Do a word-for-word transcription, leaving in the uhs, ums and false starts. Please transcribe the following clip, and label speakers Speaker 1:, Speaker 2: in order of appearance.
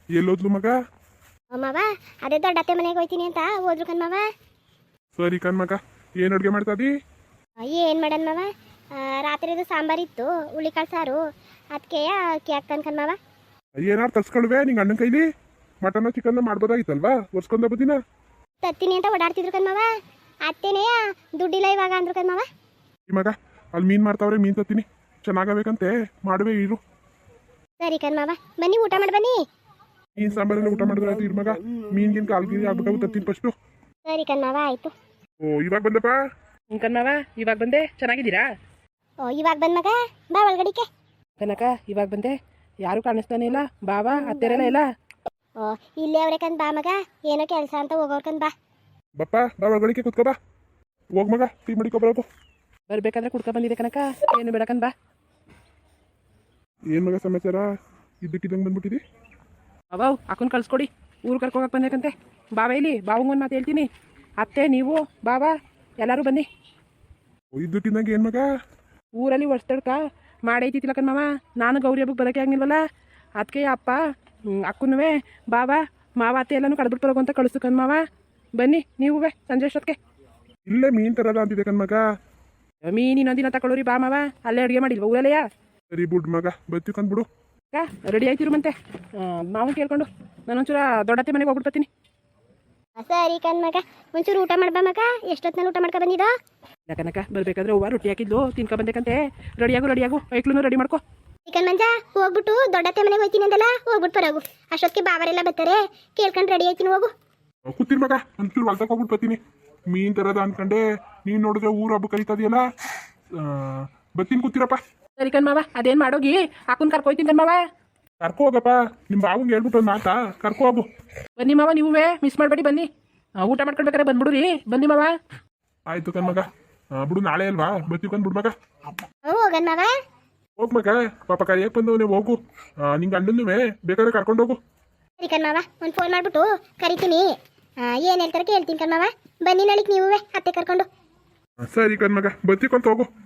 Speaker 1: ಎಲ್ಲೋದ್ಲು ಮಗ?
Speaker 2: ಮಾವ ಅದೇ ದೊಡ್ಡತ್ತೆ ಮನೆಗೆ ಹೋಯ್ತೀನಿ ಅಂತ ಹೋದ್ರು ಕಣ್ ಮಾವ.
Speaker 1: ಸರಿ ಕಣ್ ಮಗ, ಏನು ಅಡುಗೆ ಮಾಡ್ತಾದಿ?
Speaker 2: ಏನು ಮಾಡನ್ ಮಾವ, ರಾತ್ರಿದು ಸಾಂಬಾರಿತ್ತು, ಹುಳಿಕಾಳು ಸಾರು, ಅದಕ್ಕೆ ಅಕ್ಕಿ ಹಾಕ್ತಾನೆ ಕಣ್ ಮಾವ.
Speaker 1: ಏನಾರು ತರ್ಸ್ಕೊಳ್ವೆ ನಿಂಗೆ ಅಣ್ಣನ ಕೈಲಿ? Mutton chicken ಮಾಡ್ಬೋದಾಗಿತ್ತಲ್ವಾ? ಒರ್ಸ್ಕೊಂಡ ಬದಿನ
Speaker 2: ತತ್ತೀನಿ ಅಂತ ಓಡಾಡ್ತಿದ್ರು ಕಣ್ ಮಾವ. ಅತ್ತೇನೇ ದುಡ್ಡಿಲ್ಲ ಇವಾಗ ಅಂದ್ರು ಕಣ್ ಮಾವ.
Speaker 1: ಈ ಮಗ ಅಲ್ಲಿ ಮೀನು ಮಾಡ್ತಾವ್ರೆ, ಮೀನು ತತ್ತೀನಿ, ಚೆನ್ನಾಗಬೇಕಂತೆ, ಮಾಡುವೆ ಇರು.
Speaker 2: ಸರಿ ಕಣ್ ಮಾವ, ಬನ್ನಿ ಊಟ ಮಾಡಿ ಬನ್ನಿ.
Speaker 1: ಮೀನು ಸಾಂಬಾರೆಲ್ಲ ಊಟ ಮಾಡಿದ್ರೆ ಆಯ್ತು. ಇರು ಮಗ, ಮೀನ್ಗಿನ್ ಕಾಲ್ಗಿರಿ ಆಗ್ಬೇಕಾಗುತ್ತೆ, ತತ್ತೀನಿ ಫಸ್ಟು.
Speaker 2: ಸರಿ ಕಣ್ ಮಾವ, ಆಯ್ತು.
Speaker 1: ಓ ಇವಾಗ ಬಂದಪ್ಪ?
Speaker 3: ಹ್ಞೂ ಕಣ್ಣವ, ಇವಾಗ ಬಂದೆ. ಚೆನ್ನಾಗಿದ್ದೀರಾ?
Speaker 2: ಓ ಇವಾಗ ಬಂದ್ ಮಗ, ಬಾ ಒಳಗಡಿಕೆ.
Speaker 3: ಕನಕ ಇವಾಗ ಬಂದೆ, ಯಾರು ಕಾಣಿಸ್ತಾನೆ ಇಲ್ಲ, ಬಾವಾ ಅತ್ತೆರೆಲ್ಲ ಇಲ್ಲ.
Speaker 2: ಓ ಇಲ್ಲೇ ಅವ್ರೆ ಕಂದ್ ಬಾ ಮಗ, ಏನೋ ಕೆಲಸ ಅಂತ ಹೋಗೋರ್ ಕಂದ್ ಬಾ.
Speaker 1: ಬಪ್ಪ ಬಾ ಒಳಗಡಿಕೆ ಕುತ್ಕೋ ಬಾ. ಹೋಗ್ ಮಗ, ಟೀ ಮಡಿಕೊ ಬರೋದು.
Speaker 3: ಬರ್ಬೇಕಾದ್ರೆ ಕುಡ್ಕೊ ಬಂದಿದೆ ಕನಕ, ಏನು ಬೇಡಕಂದ್ ಬಾ.
Speaker 1: ಏನು ಮಗ ಸಮಾಚಾರ? ಇದ್ದಕ್ಕಿದ್ದಂಗೆ ಬಂದ್ಬಿಟ್ಟಿದಿ?
Speaker 3: ಅವಾವ್ ಅಕ್ಕನ ಕಳ್ಸ್ಕೊಡಿ, ಊರು ಕರ್ಕೋಗಕ್ಕೆ ಬಂದೇಕಂತೆ. ಬಾವ ಇಲ್ಲಿ, ಬಾವಂಗೊಂದು ಮಾತು ಹೇಳ್ತೀನಿ. ಅತ್ತೆ ನೀವು ಬಾವಾ ಎಲ್ಲರೂ ಬನ್ನಿ.
Speaker 1: ಇದ್ದಕ್ಕಿದ್ದಂಗೆ ಏನು ಮಗ?
Speaker 3: ಊರಲ್ಲಿ ವರ್ಷದಡ್ಕ ಮಾಡೈತಿತ್ತಿಲ್ಲ ಕಣ್ ನಾನು ಗೌರಿ ಹಬ್ಬಕ್ಕೆ ಬರೋಕೆ ಆಗಿಲ್ವಲ್ಲ, ಅದಕ್ಕೆ ಅಪ್ಪ ಅಕ್ಕನೂ ಬಾವಾ ಮಾವ ಅತ್ತೆ ಎಲ್ಲನೂ ಕಡ್ಬಿಟ್ಟು ಬರೋಕು ಅಂತ ಕಳಿಸ್ತು ಕಣ್ ಮಾವ. ಬನ್ನಿ ನೀವೇ ಸಂಜೆ ಅಷ್ಟೊತ್ತಿಗೆ.
Speaker 1: ಇಲ್ಲೇ ಮೀನು ತರದ ಅಂತಿದೆ ಕಣ್ ಮಗ.
Speaker 3: ಮೀನು ಇನ್ನೊಂದಿನ ತಗೊಳ್ಳೋರಿ ಬಾ ಮಾವ, ಅಲ್ಲೇ ಅಡುಗೆ ಮಾಡಿಲ್ವ ಊರಲ್ಲೆಯಾ?
Speaker 1: ಸರಿ ಬಿಡು ಮಗ, ಬತ್ತಿ ಕಂದ್ಬಿಡು.
Speaker 3: ಅಕ್ಕ ರೆಡಿ ಆಯ್ತಿರು ಮತ್ತೆ ನಾವು ಕೇಳ್ಕೊಂಡು ನಾನೊಂಚೂರ ದೊಡ್ಡತ್ತೆ ಮನೆಗೆ ಹೋಗ್ಬಿಟ್ಟು ಬರ್ತೀನಿ.
Speaker 2: ಸರಿ ಕಣ್ ಮಗ, ಒಂಚೂರು ಊಟ ಮಾಡ್ಬಾ ಮಗ. ಎಷ್ಟೊತ್ತಿನಲ್ಲಿ ಊಟ ಮಾಡ್ಕೊ ಬಂದಿದ್ದೋ?
Speaker 3: ಯಾಕನಕ ಬರ್ಬೇಕಾದ್ರೆ ಹೂವು ರೊಟ್ಟಿ ಹಾಕಿದ್ಲು ತಿನ್ಕೊ ಬಂದೇಕಂತೆ. ರೆಡಿಯಾಗು ರೆಡಿಯಾಗು, ಐಕ್ಲೂ ರೆಡಿ ಮಾಡ್ಕೊ.
Speaker 2: ಚಿಕನ್ ಮಂಜ ಹೋಗ್ಬಿಟ್ಟು ದೊಡ್ಡತ್ತೆ ಮನೆಗೆ ಹೋಯ್ತೀನಿ ಅಂದಲ್ಲ, ಹೋಗ್ಬಿಟ್ಟು ಬರೋಗು. ಅಷ್ಟೊತ್ತಿಗೆ ಬಾವರೆಲ್ಲ ಬರ್ತಾರೆ, ಕೇಳ್ಕೊಂಡು ರೆಡಿ ಆಯ್ತೀನಿ ಹೋಗು.
Speaker 1: ಕೂತಿರ್ ಮಗ, ಒಂಚೂರು ಹೊಲ್ತಕ್ಕೆ ಹೋಗ್ಬಿಟ್ಟು ಬರ್ತೀನಿ. ಮೀನ್ ತರದ ಅನ್ಕಂಡೆ, ನೀನು ನೋಡಿದ್ರೆ ಊರು ಹಬ್ಬ ಕರೀತದಿಯಲ್ಲ, ಬರ್ತೀನಿ ಕೂತಿರಪ್ಪ.
Speaker 3: ಸರಿ ಕಣ್ ಮಾವ, ಅದೇನು ಮಾಡೋಗಿ ಹಾಕೊಂಡು ಕರ್ಕೊಯ್ತೀನಿ ಕಣ್ ಮಾವ.
Speaker 1: ಕರ್ಕೊ ಹೋಗಪ್ಪ, ನಿಮ್ಮ ಬಾವಂಗೆ ಹೇಳ್ಬಿಟ್ಟು ಒಂದು ಮಾತಾ, ಕರ್ಕೊ ಹೋಗು.
Speaker 3: ಬನ್ನಿ ಮಾವ, ನೀವೇ ಮಿಸ್ ಮಾಡಬೇಡಿ ಬನ್ನಿ. ಊಟ ಮಾಡ್ಕೊಳ್ಬೇಕಾರೆ ಬಂದ್ಬಿಡ್ರಿ, ಬನ್ನಿ ಮಾವ.
Speaker 1: ಆಯ್ತು ಕಣ್ ಮಗ, ಬಿಡು ನಾಳೆ ಅಲ್ವಾ, ಬರ್ತೀವಿ ಕಂದ್ ಬಿಡು ಮಗ.
Speaker 2: ಹೋಗನ್ ಮಾವ.
Speaker 1: ಹೋಗ್ ಮಗ, ಪಾಪ ಕರಿಯಕ್ಕೆ ಬಂದವನೇ, ಹೋಗು. ನಿಂಗೆ ಅಣ್ಣನೂ ಬೇಕಾದ್ರೆ ಕರ್ಕೊಂಡು ಹೋಗು.
Speaker 2: ಸರಿ ಕಣ್ ಮಾವ, ಒಂದು ಫೋನ್ ಮಾಡ್ಬಿಟ್ಟು ಕರಿತೀನಿ. ಏನು ಹೇಳ್ತಾರೆ ಕೇಳ್ತೀನಿ ಕಣ್ ಮಾವ. ಬನ್ನಿ ನಾಳಿಗೆ ನೀವೇ ಅತ್ತೆ ಕರ್ಕೊಂಡು.
Speaker 1: ಸರಿ ಕಣ್ ಮಗ, ಬರ್ತೀವಿ ಕಂತ ಹೋಗು.